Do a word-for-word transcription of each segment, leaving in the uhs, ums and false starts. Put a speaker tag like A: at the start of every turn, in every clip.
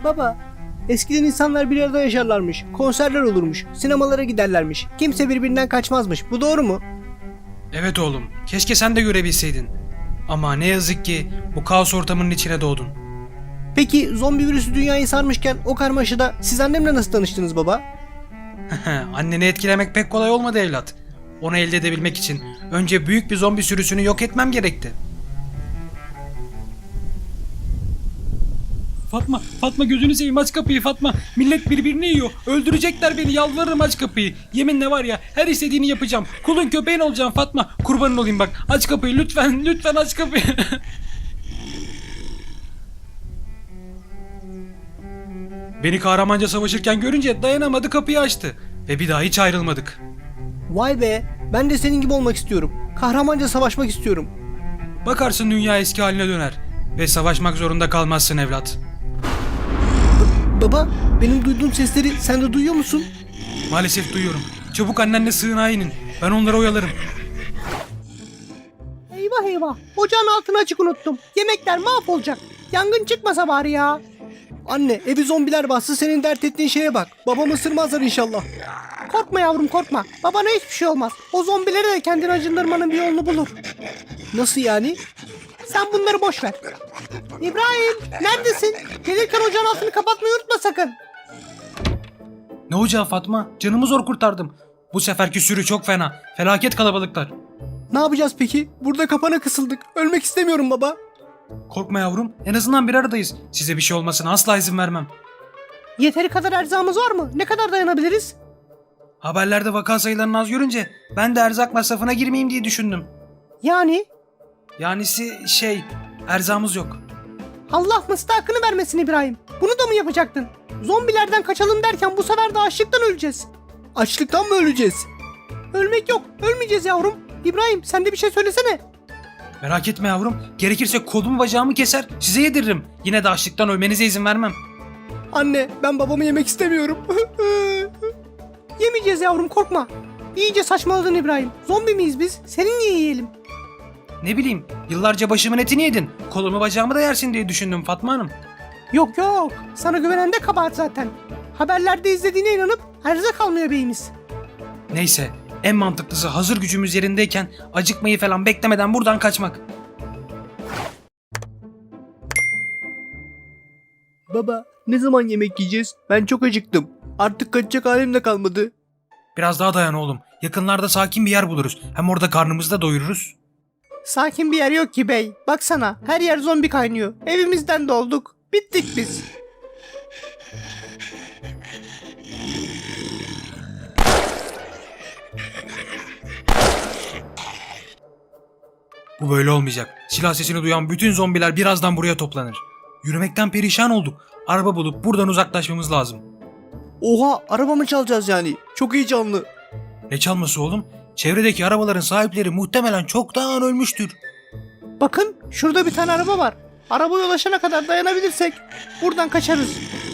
A: Baba, eskiden insanlar bir arada yaşarlarmış, konserler olurmuş, sinemalara giderlermiş. Kimse birbirinden kaçmazmış. Bu doğru mu?
B: Evet oğlum, keşke sen de görebilseydin. Ama ne yazık ki bu kaos ortamının içine doğdun.
A: Peki zombi virüsü dünyayı sarmışken o karmaşada siz annemle nasıl tanıştınız baba?
B: Anneni etkilemek pek kolay olmadı evlat. Onu elde edebilmek için önce büyük bir zombi sürüsünü yok etmem gerekti. Fatma, Fatma gözünü seveyim aç kapıyı Fatma. Millet birbirini yiyor. Öldürecekler beni, yalvarırım aç kapıyı. Yeminle var ya her istediğini yapacağım. Kulun köpeğin olacağım Fatma. Kurbanın olayım bak. Aç kapıyı lütfen, lütfen aç kapıyı. Beni kahramanca savaşırken görünce dayanamadı, kapıyı açtı. Ve bir daha hiç ayrılmadık.
A: Vay be, ben de senin gibi olmak istiyorum. Kahramanca savaşmak istiyorum.
B: Bakarsın dünya eski haline döner. Ve savaşmak zorunda kalmazsın evlat.
A: Baba, benim duyduğum sesleri sen de duyuyor musun?
B: Maalesef duyuyorum. Çabuk annenle sığınağa inin. Ben onları oyalarım.
A: Eyvah eyvah, ocağın altını açık unuttum. Yemekler mahvolacak. Yangın çıkmasa bari ya. Anne, evi zombiler bastı, senin dert ettiğin şeye bak. Babamı ısırmazlar inşallah. Korkma yavrum korkma. Babana hiçbir şey olmaz. O zombileri de kendini acındırmanın bir yolunu bulur. Nasıl yani? Sen bunları boş ver. İbrahim, neredesin? Gelirken ocağın altını kapatmayı unutma sakın.
B: Ne ocağı Fatma? Canımı zor kurtardım. Bu seferki sürü çok fena. Felaket kalabalıklar.
A: Ne yapacağız peki? Burada kapana kısıldık. Ölmek istemiyorum baba.
B: Korkma yavrum. En azından bir aradayız. Size bir şey olmasına asla izin vermem.
A: Yeteri kadar erzağımız var mı? Ne kadar dayanabiliriz?
B: Haberlerde vaka sayılarını az görünce ben de erzak masrafına girmeyeyim diye düşündüm.
A: Yani?
B: Yanisi şey, erzağımız yok.
A: Allah mıstakını vermesin İbrahim. Bunu da mı yapacaktın? Zombilerden kaçalım derken bu sefer de açlıktan öleceğiz. Açlıktan mı öleceğiz? Ölmek yok. Ölmeyeceğiz yavrum. İbrahim sen de bir şey söylesene.
B: Merak etme yavrum. Gerekirse kolumu bacağımı keser, size yediririm. Yine de açlıktan ölmenize izin vermem.
A: Anne ben babamı yemek istemiyorum. Yemeyeceğiz yavrum korkma. İyice saçmaladın İbrahim. Zombi miyiz biz? Seni niye yiyelim?
B: Ne bileyim, yıllarca başımın etini yedin. Kolumu bacağımı da yersin diye düşündüm Fatma Hanım.
A: Yok yok. Sana güvenen de kabahat zaten. Haberlerde izlediğine inanıp erzak almıyor beyimiz.
B: Neyse, en mantıklısı hazır gücümüz yerindeyken acıkmayı falan beklemeden buradan kaçmak.
A: Baba ne zaman yemek yiyeceğiz? Ben çok acıktım. Artık kaçacak halim de kalmadı.
B: Biraz daha dayan oğlum. Yakınlarda sakin bir yer buluruz. Hem orada karnımızı da doyururuz.
A: Sakin bir yer yok ki bey. Baksana her yer zombi kaynıyor. Evimizden de olduk. Bittik biz.
B: Bu böyle olmayacak. Silah sesini duyan bütün zombiler birazdan buraya toplanır. Yürümekten perişan olduk. Araba bulup buradan uzaklaşmamız lazım.
A: Oha araba mı çalacağız yani? Çok heyecanlı.
B: Ne çalması oğlum? Çevredeki arabaların sahipleri muhtemelen çoktan ölmüştür.
A: Bakın şurada bir tane araba var. Arabaya ulaşana kadar dayanabilirsek buradan kaçarız.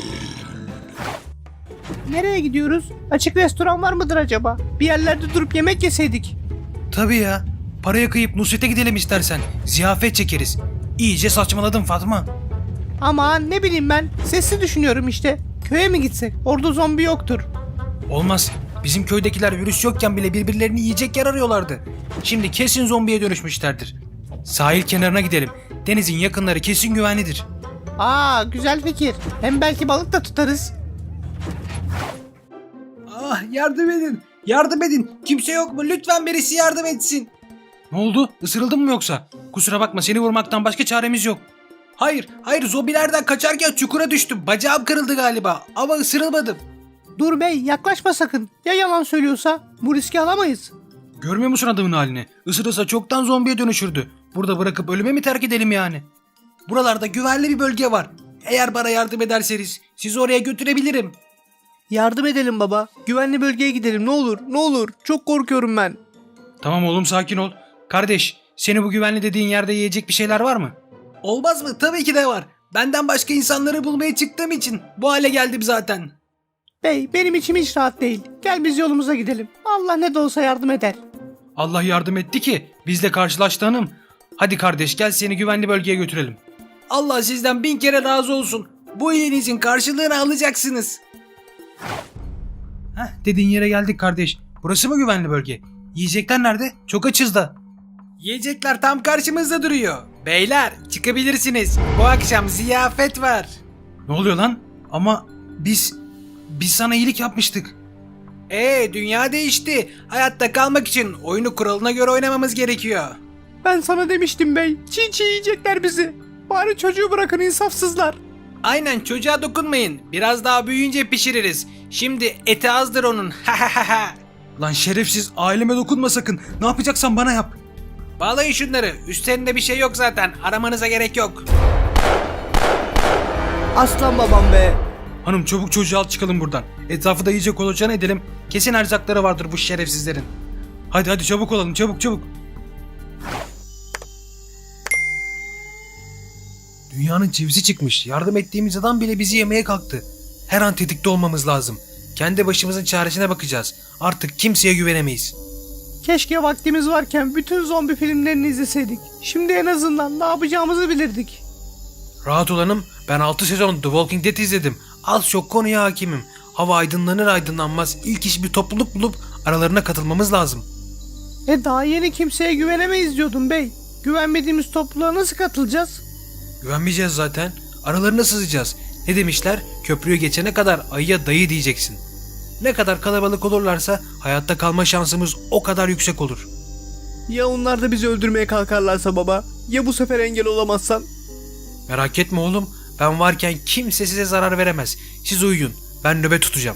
A: Nereye gidiyoruz? Açık restoran var mıdır acaba? Bir yerlerde durup yemek yeseydik.
B: Tabii ya. Paraya kıyıp Nusret'e gidelim istersen. Ziyafet çekeriz. İyice saçmaladın Fatma.
A: Aman ne bileyim ben. Sesli düşünüyorum işte. Köye mi gitsek? Orada zombi yoktur.
B: Olmaz. Bizim köydekiler virüs yokken bile birbirlerini yiyecek yer arıyorlardı. Şimdi kesin zombiye dönüşmüşlerdir. Sahil kenarına gidelim. Denizin yakınları kesin güvenlidir.
A: Aa güzel fikir. Hem belki balık da tutarız.
B: Ah yardım edin. Yardım edin. Kimse yok mu? Lütfen birisi yardım etsin. Ne oldu? Isırıldın mı yoksa? Kusura bakma, seni vurmaktan başka çaremiz yok. Hayır, hayır, zombilerden kaçarken çukura düştüm. Bacağım kırıldı galiba ama ısırılmadım.
A: Dur bey yaklaşma sakın. Ya yalan söylüyorsa? Bu riski alamayız.
B: Görmüyor musun adamın halini? Isırırsa çoktan zombiye dönüşürdü. Burada bırakıp ölüme mi terk edelim yani? Buralarda güvenli bir bölge var. Eğer bana yardım ederseniz sizi oraya götürebilirim.
A: Yardım edelim baba. Güvenli bölgeye gidelim ne olur ne olur. Çok korkuyorum ben.
B: Tamam oğlum, sakin ol. Kardeş, seni bu güvenli dediğin yerde yiyecek bir şeyler var mı? Olmaz mı? Tabii ki de var. Benden başka insanları bulmaya çıktığım için bu hale geldim zaten.
A: Bey benim içim hiç rahat değil. Gel biz yolumuza gidelim. Allah ne de olsa yardım eder.
B: Allah yardım etti ki bizle karşılaştı hanım. Hadi kardeş, gel seni güvenli bölgeye götürelim. Allah sizden bin kere razı olsun. Bu iyiliğinizin karşılığını alacaksınız. Heh, dediğin yere geldik kardeş. Burası mı güvenli bölge? Yiyecekler nerede? Çok açız da. Yiyecekler tam karşımızda duruyor. Beyler çıkabilirsiniz. Bu akşam ziyafet var. Ne oluyor lan? Ama biz... Biz sana iyilik yapmıştık. Ee dünya değişti. Hayatta kalmak için oyunu kuralına göre oynamamız gerekiyor.
A: Ben sana demiştim bey. Çiğ çiğ yiyecekler bizi. Bari çocuğu bırakın insafsızlar.
B: Aynen çocuğa dokunmayın. Biraz daha büyüyünce pişiririz. Şimdi eti azdır onun. Lan şerefsiz aileme dokunma sakın. Ne yapacaksan bana yap. Bağlayın şunları. Üstlerinde bir şey yok zaten. Aramanıza gerek yok.
A: Aslan babam be.
B: Hanım çabuk çocuğu al çıkalım buradan. Etrafı da iyice kolaçan edelim. Kesin erzakları vardır bu şerefsizlerin. Hadi hadi çabuk olalım çabuk çabuk. Dünyanın çivisi çıkmış. Yardım ettiğimiz adam bile bizi yemeye kalktı. Her an tetikte olmamız lazım. Kendi başımızın çaresine bakacağız. Artık kimseye güvenemeyiz.
A: Keşke vaktimiz varken bütün zombi filmlerini izleseydik. Şimdi en azından ne yapacağımızı bilirdik.
B: Rahat olanım, ben altı sezon The Walking Dead izledim. Az çok konuya hakimim. Hava aydınlanır aydınlanmaz ilk iş bir topluluk bulup aralarına katılmamız lazım.
A: E daha yeni kimseye güvenemeyiz diyordun bey. Güvenmediğimiz topluluğa nasıl katılacağız?
B: Güvenmeyeceğiz zaten. Aralarına sızacağız. Ne demişler? Köprüyü geçene kadar ayıya dayı diyeceksin. Ne kadar kalabalık olurlarsa hayatta kalma şansımız o kadar yüksek olur.
A: Ya onlar da bizi öldürmeye kalkarlarsa baba? Ya bu sefer engel olamazsan?
B: Merak etme oğlum. Ben varken kimse size zarar veremez. Siz uyuyun. Ben nöbet tutacağım.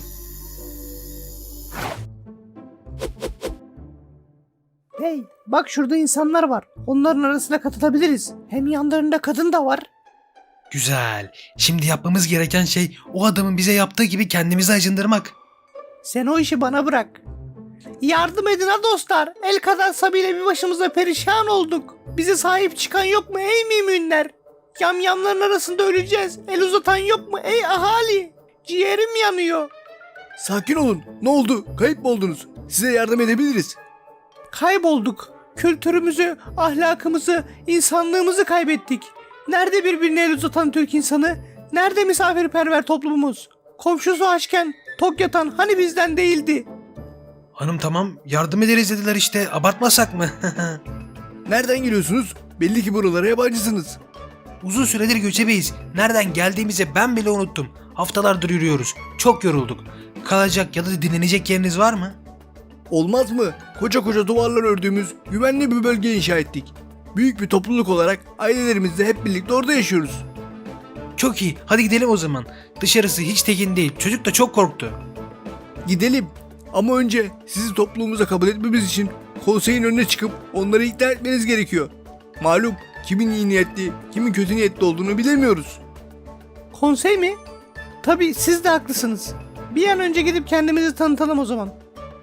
A: Hey bak şurada insanlar var. Onların arasına katılabiliriz. Hem yanlarında kadın da var.
B: Güzel. Şimdi yapmamız gereken şey o adamın bize yaptığı gibi kendimizi acındırmak.
A: Sen o işi bana bırak. Yardım edin ha dostlar. El kadar Sabi'yle bir başımıza perişan olduk. Bize sahip çıkan yok mu ey müminler? Yamyamların arasında öleceğiz. El uzatan yok mu ey ahali? Ciğerim yanıyor.
C: Sakin olun. Ne oldu? Kayıp mı oldunuz? Size yardım edebiliriz.
A: Kaybolduk. Kültürümüzü, ahlakımızı, insanlığımızı kaybettik. Nerede birbirine el uzatan Türk insanı? Nerede misafirperver toplumumuz? Komşusu açken tok yatan hani bizden değildi?
B: Hanım tamam yardım ederiz dediler işte. Abartmasak mı?
C: Nereden geliyorsunuz? Belli ki buralara yabancısınız.
B: Uzun süredir göçebeyiz. Nereden geldiğimizi ben bile unuttum. Haftalardır yürüyoruz. Çok yorulduk. Kalacak ya da dinlenecek yeriniz var mı?
C: Olmaz mı? Koca koca duvarlar ördüğümüz güvenli bir bölge inşa ettik. Büyük bir topluluk olarak ailelerimizle hep birlikte orada yaşıyoruz.
B: Çok iyi. Hadi gidelim o zaman. Dışarısı hiç tekin değil. Çocuk da çok korktu.
C: Gidelim. Ama önce sizi topluluğumuza kabul etmemiz için konseyin önüne çıkıp onları ikna etmeniz gerekiyor. Malum kimin iyi niyetli, kimin kötü niyetli olduğunu bilemiyoruz.
A: Konsey mi? Tabii siz de haklısınız. Bir an önce gidip kendimizi tanıtalım o zaman.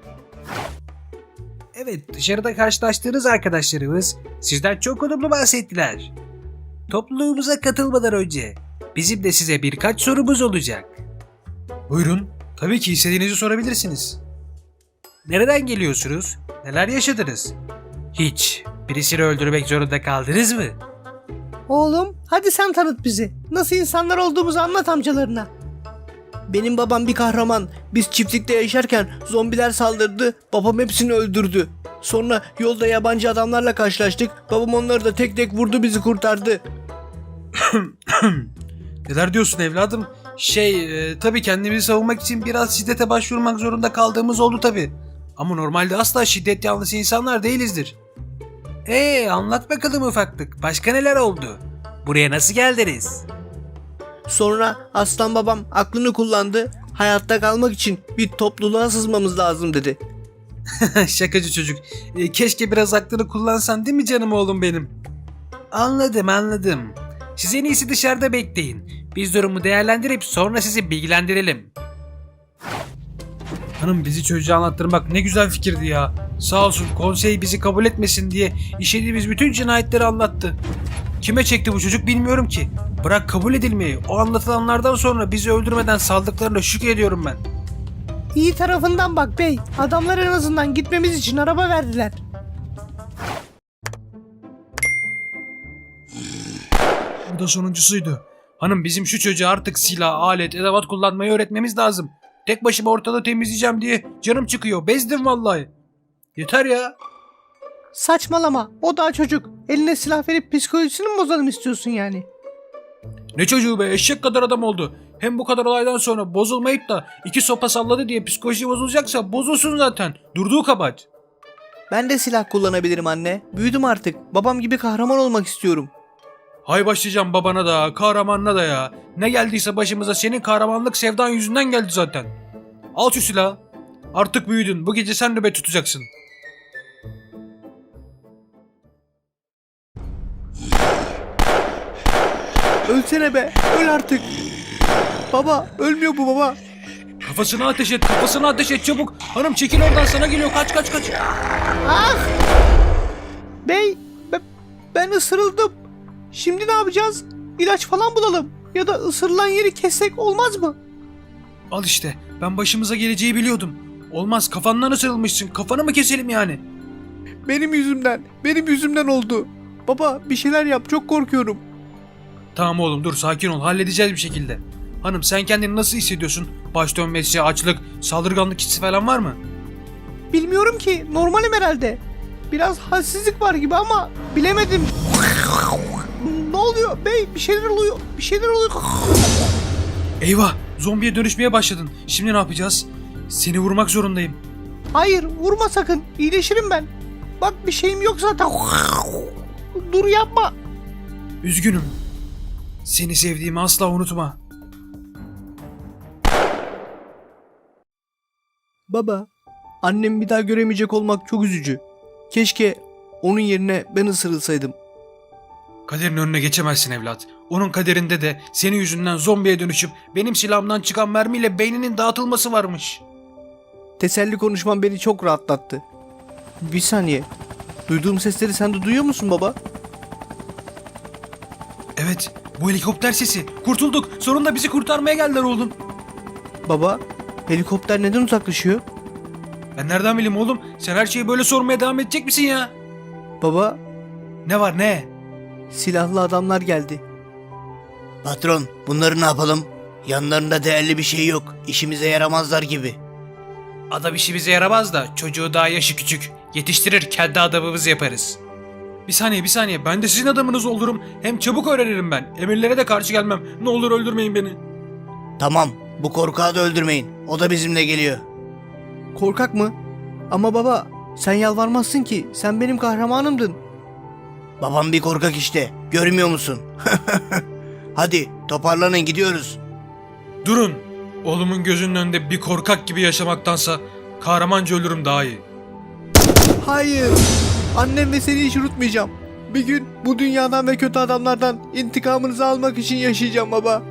B: Evet, dışarıda karşılaştığınız arkadaşlarımız sizden çok olumlu bahsettiler. Topluluğumuza katılmadan önce bizim de size birkaç sorumuz olacak. Buyurun, tabii ki istediğinizi sorabilirsiniz. Nereden geliyorsunuz? Neler yaşadınız? Hiç birisini öldürmek zorunda kaldınız mı?
A: Oğlum hadi sen tanıt bizi. Nasıl insanlar olduğumuzu anlat amcalarına.
C: Benim babam bir kahraman. Biz çiftlikte yaşarken zombiler saldırdı. Babam hepsini öldürdü. Sonra yolda yabancı adamlarla karşılaştık. Babam onları da tek tek vurdu, bizi kurtardı.
B: Neler diyorsun evladım? Şey, e, tabii kendimizi savunmak için biraz şiddete başvurmak zorunda kaldığımız oldu tabii. Ama normalde asla şiddet yanlısı insanlar değilizdir. Eee anlat bakalım ufaklık. Başka neler oldu? Buraya nasıl geldiniz?
C: Sonra aslan babam aklını kullandı. Hayatta kalmak için bir topluluğa sızmamız lazım dedi.
B: Şakacı çocuk. E, keşke biraz aklını kullansan değil mi canım oğlum benim? Anladım anladım. Siz en iyisi dışarıda bekleyin. Biz durumu değerlendirip sonra sizi bilgilendirelim. Hanım bizi çocuğa anlattırmak ne güzel fikirdi ya. Sağ olsun konsey bizi kabul etmesin diye işlediğimiz bütün cinayetleri anlattı. Kime çekti bu çocuk bilmiyorum ki. Bırak kabul edilmeyi. O anlatılanlardan sonra bizi öldürmeden saldıklarına şükrediyorum ben.
A: İyi tarafından bak bey. Adamlar en azından gitmemiz için araba verdiler.
B: Bu da sonuncusuydu. Hanım bizim şu çocuğa artık silah, alet, edevat kullanmayı öğretmemiz lazım. Tek başıma ortalığı temizleyeceğim diye canım çıkıyor. Bezdim vallahi. Yeter ya.
A: Saçmalama. O daha çocuk. Eline silah verip psikolojisini mi bozalım istiyorsun yani?
B: Ne çocuğu be, eşek kadar adam oldu. Hem bu kadar olaydan sonra bozulmayıp da iki sopa salladı diye psikoloji bozulacaksa bozulsun zaten. Durduğu kabahat.
C: Ben de silah kullanabilirim anne. Büyüdüm artık. Babam gibi kahraman olmak istiyorum.
B: Hay başlayacağım babana da, kahramanına da ya. Ne geldiyse başımıza senin kahramanlık sevdan yüzünden geldi zaten. Al şu silahı. Artık büyüdün. Bu gece sen nöbet tutacaksın.
C: Ölsene be. Öl artık. Baba ölmüyor bu baba.
B: Kafasına ateş et, kafasına ateş et çabuk. Hanım çekil oradan, sana geliyor. Kaç kaç kaç.
A: Ah! Bey, be- ben ısırıldım. Şimdi ne yapacağız? İlaç falan bulalım. Ya da ısırılan yeri kessek olmaz mı?
B: Al işte. Ben başımıza geleceği biliyordum. Olmaz, kafandan ısırılmışsın. Kafanı mı keselim yani?
C: Benim yüzümden. Benim yüzümden oldu. Baba bir şeyler yap. Çok korkuyorum.
B: Tamam oğlum dur, sakin ol. Halledeceğiz bir şekilde. Hanım sen kendini nasıl hissediyorsun? Baş dönmesi, açlık, saldırganlık hissi falan var mı?
A: Bilmiyorum ki. Normalim herhalde. Biraz halsizlik var gibi ama bilemedim. Ne oluyor bey? Bir şeyler oluyor. Bir şeyler oluyor.
B: Eyvah! Zombiye dönüşmeye başladın. Şimdi ne yapacağız? Seni vurmak zorundayım.
A: Hayır, vurma sakın. İyileşirim ben. Bak bir şeyim yok zaten. Dur yapma.
B: Üzgünüm. Seni sevdiğimi asla unutma.
C: Baba, annemi bir daha göremeyecek olmak çok üzücü. Keşke onun yerine ben ısırılsaydım.
B: Kaderin önüne geçemezsin evlat. Onun kaderinde de senin yüzünden zombiye dönüşüp benim silahımdan çıkan mermiyle beyninin dağıtılması varmış.
C: Teselli konuşman beni çok rahatlattı. Bir saniye. Duyduğum sesleri sen de duyuyor musun baba?
B: Evet, bu helikopter sesi. Kurtulduk. Sonunda bizi kurtarmaya geldiler oğlum.
C: Baba, helikopter neden uzaklaşıyor?
B: Ben nereden bileyim oğlum? Sen her şeyi böyle sormaya devam edecek misin ya?
C: Baba,
B: Ne var ne?
C: silahlı adamlar geldi.
D: Patron, bunları ne yapalım? Yanlarında değerli bir şey yok. İşimize yaramazlar gibi.
B: Adam işi bize yaramaz da çocuğu daha yaşı küçük. Yetiştirir kendi adamımızı yaparız. Bir saniye bir saniye, ben de sizin adamınız olurum. Hem çabuk öğrenirim ben. Emirlere de karşı gelmem. Ne olur öldürmeyin beni.
D: Tamam, bu korkağı da öldürmeyin. O da bizimle geliyor.
C: Korkak mı? Ama baba, sen yalvarmazsın ki. Sen benim kahramanımdın.
D: Babam bir korkak işte. Görmüyor musun? Hadi toparlanın, gidiyoruz.
B: Durun. Oğlumun gözünün önünde bir korkak gibi yaşamaktansa kahramanca ölürüm daha iyi.
C: Hayır. Annem ve seni hiç unutmayacağım. Bir gün bu dünyadan ve kötü adamlardan intikamınızı almak için yaşayacağım baba.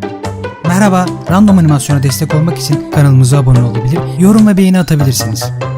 E: Merhaba, Random Animasyon'a destek olmak için kanalımıza abone olabilir, yorum ve beğeni atabilirsiniz.